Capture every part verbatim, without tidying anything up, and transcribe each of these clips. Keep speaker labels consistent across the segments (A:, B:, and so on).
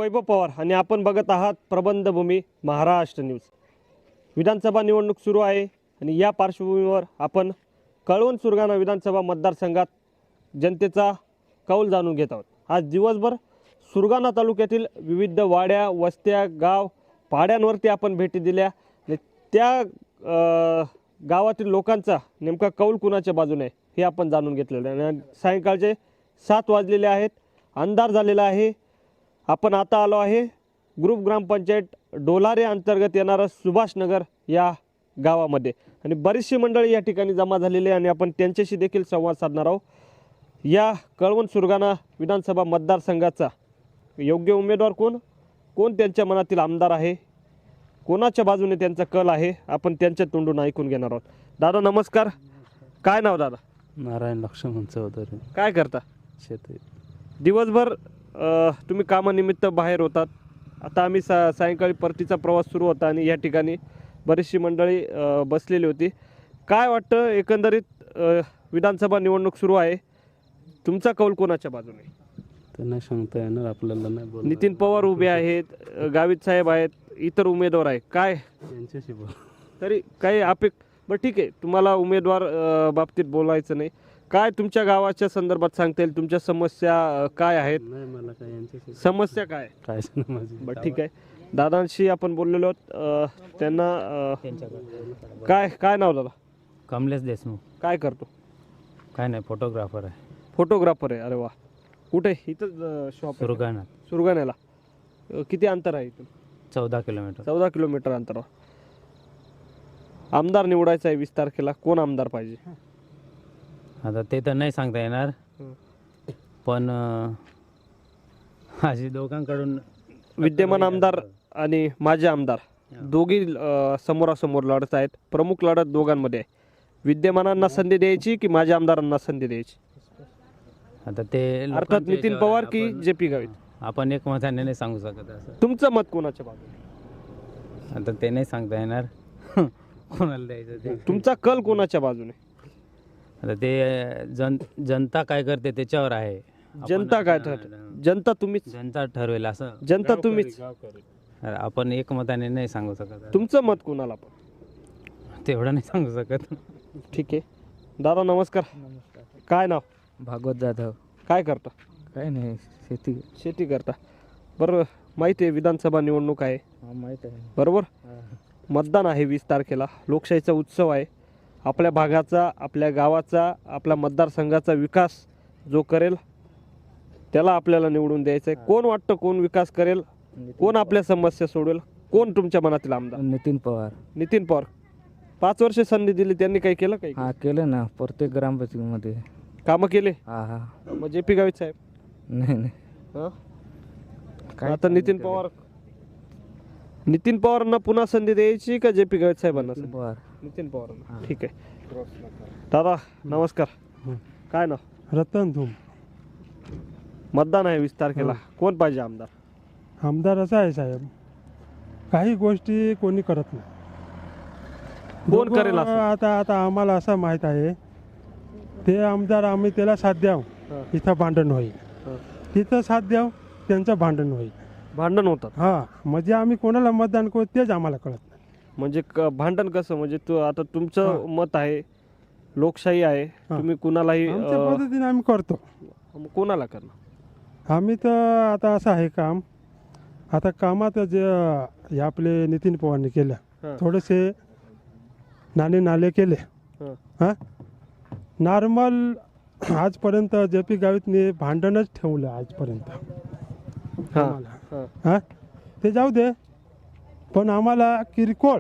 A: वैभव पवार आणि आपण बघत आहात प्रबंधभूमी महाराष्ट्र न्यूज। विधानसभा निवडणूक सुरू आहे आणि या पार्श्वभूमीवर आपण कळवण सुरगाणा विधानसभा मतदारसंघात जनतेचा कौल जाणून घेत आहोत। आज दिवसभर सुरगाणा तालुक्यातील विविध वाड्या, वस्त्या, गाव, पाड्यांवरती आपण भेटी दिल्या आणि त्या गावातील लोकांचा नेमका कौल कुणाच्या बाजूने आहे हे आपण जाणून घेतलेलं आहे। आणि सायंकाळचे सात वाजलेले आहेत, अंधार झालेला आहे। आपण आता आलो आहे ग्रुप ग्रामपंचायत डोलारे अंतर्गत येणारा सुभाषनगर या गावामध्ये आणि बरीचशी मंडळी या ठिकाणी जमा झालेली आहे आणि आपण त्यांच्याशी देखील संवाद साधणार आहोत। या कळवण सुरगाणा विधानसभा मतदारसंघाचा योग्य उमेदवार कोण कोण त्यांच्या मनातील आमदार आहे, कोणाच्या बाजूने त्यांचा कल आहे, आपण त्यांच्या तोंडून ऐकून घेणार आहोत। दादा नमस्कार, काय नाव दादा?
B: नारायण लक्ष्मण चौधरी।
A: काय करता?
B: शेती।
A: दिवसभर तुम्ही कामानिमित्त बाहेर होतात। आता आम्ही सा सायंकाळी परतीचा प्रवास सुरू होता आणि या ठिकाणी बरीचशी मंडळी बसलेली होती। काय वाटतं एकंदरीत विधानसभा निवडणूक सुरू आहे, तुमचा कौल कोणाच्या बाजूने?
B: तर नाही सांगता येणार आपल्याला, नाही बोल।
A: नितीन पवार उभे आहेत, गावित साहेब आहेत, इतर उमेदवार आहे, काय
B: त्यांच्याशी बोल
A: तरी काही अपेक बरं ठीक आहे, तुम्हाला उमेदवार बाबतीत बोलायचं नाही। काय तुमच्या गावाच्या संदर्भात सांगता येईल? तुमच्या समस्या काय आहेत?
B: नाही मला काय यांच्याशी
A: समस्या काय
B: काय नाही माझी।
A: बरं ठीक आहे, दादांशी आपण बोललेलो आहोत। त्यांना अ, काय काय नाव दादा?
C: कमलेश देशमुख।
A: काय करतो?
C: काय नाही, फोटोग्राफर आहे।
A: फोटोग्राफर आहे, अरे वा। कुठे? इथं शॉप
C: सुरगाणा
A: सुरगाण्याला किती अंतर आहे इथून?
C: चौदा किलोमीटर
A: चौदा किलोमीटर अंतरावर। आमदार निवडायचा आहे वीस तारखेला, कोण आमदार पाहिजे?
C: आता ते तर नाही सांगता येणार, पण अं, अशी दोघांकडून
A: विद्यमान आमदार आणि माजी आमदार दोघी अ, समोरासमोर लढत आहेत। प्रमुख लढत दोघांमध्ये आहे। विद्यमानांना संधी द्यायची की माजी आमदारांना संधी द्यायची?
C: आता ते
A: अर्थात
C: लोकांच्या
A: नितीन
C: याच्यावर
A: पवार
C: आहे।
A: की
C: आपण-
A: जे पी गावित?
C: आपण एक मताने नाही सांगू शकत असं।
A: तुमचं मत कोणाच्या बाजूने?
C: आता ते नाही सांगता येणार कोणाला द्यायचं ते।
A: तुमचा कल कोणाच्या बाजूने?
C: आता ते जन जनता काय करते त्याच्यावर आहे। आपण-
A: जनता काय ठरते? जनता तुम्हीच,
C: जनता ठरवेल असं।
A: जनता तुम्हीच।
C: आपण एक मताने नाही सांगू शकत,
A: तुमचं मत कोणाला? पण
C: तेवढं नाही सांगू शकत।
A: ठीक आहे। दादा नमस्कार, काय नाव?
D: भागवत जाधव।
A: काय करता?
D: काय नाही, शेती।
A: शेती करता, बरं। माहिती आहे विधानसभा निवडणूक आहे,
D: हा माहीत आहे।
A: बरोबर? मतदान आहे वीस तारखेला, लोकशाहीचा उत्सव आहे। आपल्या भागाचा, आपल्या गावाचा, आपल्या मतदारसंघाचा विकास जो करेल त्याला आपल्याला निवडून द्यायचं आहे। कोण वाटतं कोण विकास करेल, कोण आपल्या समस्या सोडवेल, कोण तुमच्या मनातील आमदार?
D: नितीन पवार।
A: नितीन पवार। पाच वर्ष संधी दिली, त्यांनी काही केलं? काही
D: हा केलं ना, प्रत्येक ग्रामपंचायतीमध्ये
A: कामं केले?
D: हा हा
A: मग जे पी गावित साहेब?
D: नाही नाही
A: हं?
D: काय
A: आता नितीन पवार नितीन पवारांना पुन्हा संधी द्यायची का जे पी गावित साहेबांना?
D: नितीन पवार।
A: नितीन पवारांना। ठीक आहे। दादा नमस्कार, काय नाव?
E: रतन धूम।
A: मतदान आहे वीस तारखेला, कोण पाहिजे आमदार?
E: आमदार असा आहे साहेब, काही गोष्टी कोणी करत नाही।
A: कोण
E: दोघं
A: करेल असं?
E: आता आता आम्हाला असं माहीत आहे, ते आमदार आम्ही त्याला साथ द्याव,
A: हं.
E: इथं भांडण होईल,
A: हं.
E: तिथं साथ द्याव, त्यांचं भांडण होईल।
A: भांडण होतात
E: हा म्हणजे आम्ही कोणाला मतदान करू तेच आम्हाला कळत नाही।
A: म्हणजे क- भांडण कसं? म्हणजे तू आता तुमचं
E: हं.
A: मत आहे, लोकशाही आहे,
E: हं.
A: तुम्ही कुणालाही
E: आमच्या
A: अं,
E: पद्धतीने आम्ही करतो।
A: मग कोणाला करणार?
E: आम्ही तर आता असं आहे काम, आता कामात जे हे आपले नितीन पवारने केलं,
A: हं.
E: थोडेसे नाणे नाले केले।
A: हं.
E: हां नॉर्मल आजपर्यंत जे पी गावितने भांडणच ठेवलं आजपर्यंत
A: हां
E: आम्हाला।
A: हां
E: हां ते जाऊ दे, पण आम्हाला किरकोळ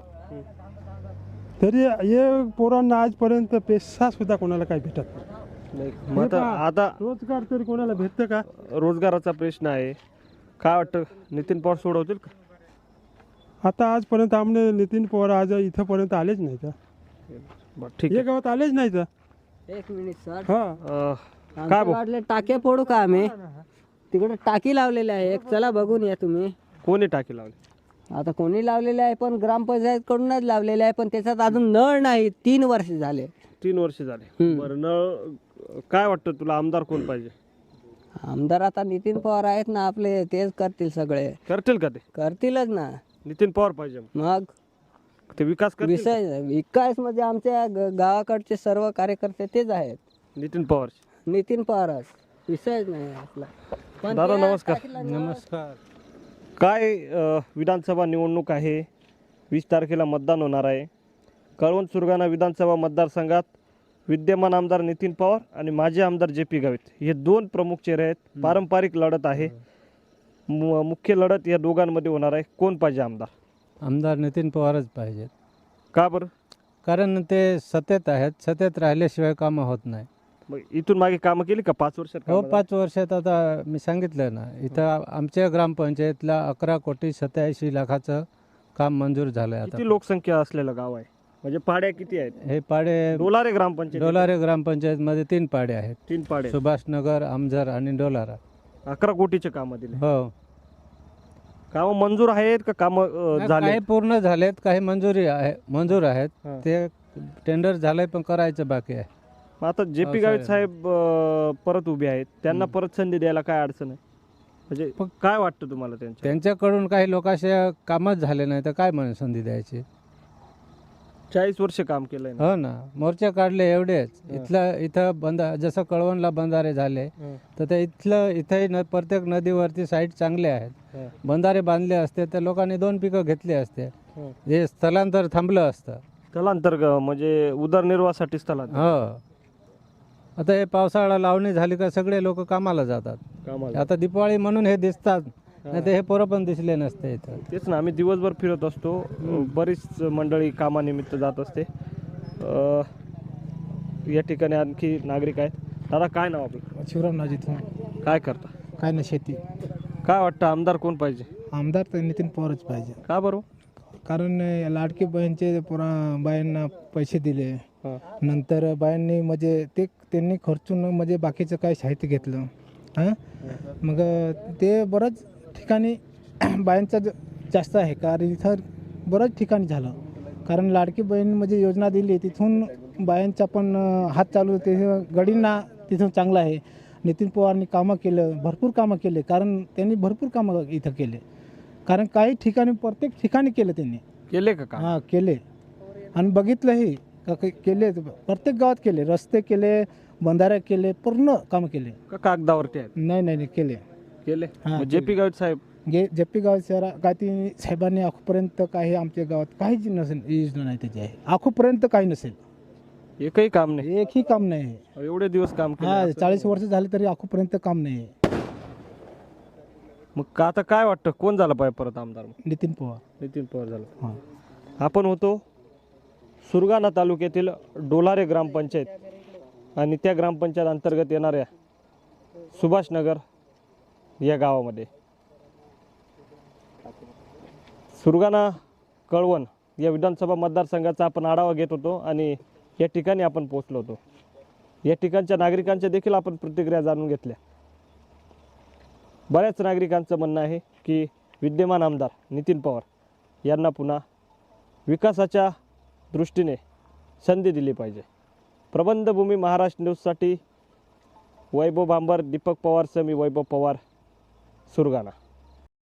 E: तरी हे पोरांना आजपर्यंत पैसा सुद्धा कोणाला काही भेटत नाही।
A: नाही, मग आता आता
E: रोजगार तरी कोणाला भेटतं का?
A: रोजगाराचा प्रश्न आहे, काय वाटतं नितीन पवार सोडवतील का?
E: आता आजपर्यंत आमने नितीन पवार आज इथंपर्यंत आलेच नाही तर,
A: बरं ठीक
E: हे
A: आहे।
E: गावात आलेच नाही तर।
F: एक मिनिट सर,
E: हां
A: अं, काय
F: आमच्या
A: भाऊ,
F: वाडले टाके फोडू का आम्ही? तिकडे टाकी लावलेली आहे एक, चला बघून या तुम्ही।
A: कोणी टाकी लावली?
F: आता कोणी लावलेले आहे, पण ग्रामपंचायत कडूनच लावलेले आहे, पण त्याच्यात अजून नळ नाही, तीन वर्ष झाले।
A: तीन वर्ष झाले।
F: हम्म.
A: बरं, नळ काय वाटतं तुला, आमदार कोण पाहिजे?
F: आमदार आता नितीन पवार आहेत ना आपले, तेच करतील सगळे.
A: करतील का ते?
F: करतीलच ना.
A: नितीन पवार पाहिजे
F: मग
A: ते विकास करतील का?
F: विषय विकास म्हणजे आमच्या ग- गावाकडचे सर्व कार्यकर्ते तेच आहेत.
A: नितीन पवार.
F: नितीन पवारच, विषयच नाही आपला. पण
A: दादा,
F: त्या
A: नमस्कार.
F: टाकीला
B: नमस्कार.
A: काय अ, विधानसभा निवडणूक आहे, वीस तारखेला मतदान होणार आहे. कळवण सुरगाणा विधानसभा मतदारसंघात विद्यमान आमदार नितीन पवार आणि माजी आमदार जे पी गावित हे दोन प्रमुख चेहरे आहेत. पारंपरिक लढत आहे. मु- मुख्य लढत या दोघांमध्ये होणार आहे. कोण पाहिजे आमदार?
B: आमदार नितीन पवारच पाहिजेत.
A: का बरं?
B: कारण ते सत्तेत आहेत. सत्तेत राहिल्याशिवाय कामं होत नाही.
A: मग इथून मागे कामं केली का पाच वर्षात?
B: हो,
A: कामं
B: पाच वर्षात आता मी सांगितलं ना, इथं आ- आमच्या ग्रामपंचायतला अकरा कोटी सत्याऐंशी लाखाचं काम मंजूर झालं आहे
A: किती
B: आता.
A: लोकसंख्या असलेलं गाव आहे? म्हणजे पाड्या किती आहेत?
B: हे पाडे
A: डोलारे ग्रामपंचायत
B: डोलारे ग्रामपंचायतमध्ये तीन पाडे आहेत.
A: तीन पाडे,
B: सुभाषनगर, आमझर आणि डोलारा.
A: अकरा कोटीचे कामं दिले.
B: हो,
A: कामं मंजूर आहेत का कामं झाले?
B: काही पूर्ण झालेत, काही मंजुरी आहे मंजूर आहेत.
A: हां.
B: ते टेंडर झालंय पण करायचं बाकी आहे.
A: मग आता जे पी गावित साहेब अ, परत उभे आहेत, त्यांना
B: हं.
A: परत संधी द्यायला काय अडचण आहे? म्हणजे
B: पण-
A: काय वाटतं तुम्हाला त्यांच्या?
B: त्यांच्याकडून काही लोकांचे कामच झाले नाही तर काय म्हणून संधी द्यायची.
A: चाळीस वर्ष काम केलंय ना.
B: हो ना, मोर्चे काढले एवढेच.
A: हं.
B: इथलं इथं बंद जसं कळवणला बंधारे झाले
A: हं.
B: तर ते इथलं इथंही न प्रत्येक नदीवरती साईट चांगले आहेत.
A: हं.
B: बंधारे बांधले असते तर लोकांनी दोन पिकं घेतली असते.
A: हं.
B: हे स्थलांतर थांबलं असतं.
A: स्थलांतर ग- म्हणजे उदरनिर्वाहासाठी स्थलांतर
B: हो, आता हे पावसाळा लावणी झाली का सगळे लोक कामाला जातात.
A: कामाला.
B: आता दिवाळी म्हणून हे दिसतात, नाही तर हे पोरं पण दिसले नसते इथं.
A: तेच ना, आम्ही दिवसभर फिरत असतो. बरीच मंडळी कामानिमित्त जात असते. अ, या ठिकाणी आणखी नागरिक आहेत. दादा, काय नाव आपलं?
G: शिवराम नाजी तू
A: काय करता?
G: काय ना शेती.
A: काय वाटतं आमदार कोण पाहिजे?
G: आमदार तर नितीन पवारच पाहिजे.
A: का बरं?
G: कारण अं, लाडकी बहीणचे पुरा बायांना पैसे दिले,
A: हां.
G: नंतर बायांनी म्हणजे ते त्यांनी खर्चून म्हणजे बाकीचं काय साहित्य घेतलं. हां मग अं, ते बरंच ठिकाणी बायांचं ज- जास्त आहे. कारण इथं बरंच ठिकाणी झालं. कारण लाडकी बहीण म्हणजे योजना दिली तिथून बायांचा पण अं, हात चालू ते गडींना तिथून चांगलं आहे. नितीन पवारनी कामं केलं, भरपूर कामं केले. कारण त्यांनी भरपूर कामं इथं केले. कारण काही ठिकाणी प्रत्येक ठिकाणी केलं त्यांनी.
A: केले का काम?
G: हां केले आणि बघितलंही का के- केले प्रत्येक गावात केले. रस्ते केले, बंधारे केले, पूर्ण कामं केले.
A: का कागदावरती आहेत?
G: नाही नाही नाही केले.
A: केले.
G: हां,
A: जे पी गावित साहेब
G: गे जप्पी गावात सर काय ती साहेबांनी आखोपर्यंत काही आमच्या गावात काहीच नसेल योजना नाही त्याची आहे. आखोपर्यंत काही नसेल,
A: एकही काम नाही.
G: एकही काम नाही आहे.
A: एवढे दिवस काम केलं
G: हा
A: असं.
G: चाळीस वर्ष झाले तरी आखोपर्यंत काम नाही आहे.
A: मग का आता काय वाटतं कोण झालं पाहिजे परत आमदार? मग
G: नितीन पवार.
A: नितीन पवार झालं.
G: हां
A: आपण होतो सुरगाणा तालुक्यातील डोलारे ग्रामपंचायत आणि त्या ग्रामपंचायत अंतर्गत येणाऱ्या सुभाषनगर या गावामध्ये. सुरगाणा कळवण या विधानसभा मतदारसंघाचा आपण आढावा घेत होतो आणि या ठिकाणी आपण पोहोचलो होतो. या ठिकाणच्या नागरिकांच्या देखील आपण प्रतिक्रिया जाणून घेतल्या. बऱ्याच नागरिकांचं म्हणणं आहे की विद्यमान आमदार नितीन पवार यांना पुन्हा विकासाच्या दृष्टीने संधी दिली पाहिजे. प्रबंधभूमी महाराष्ट्र न्यूजसाठी वैभव भांबर, दीपक पवार, मी वैभव पवार, सुरगाणा.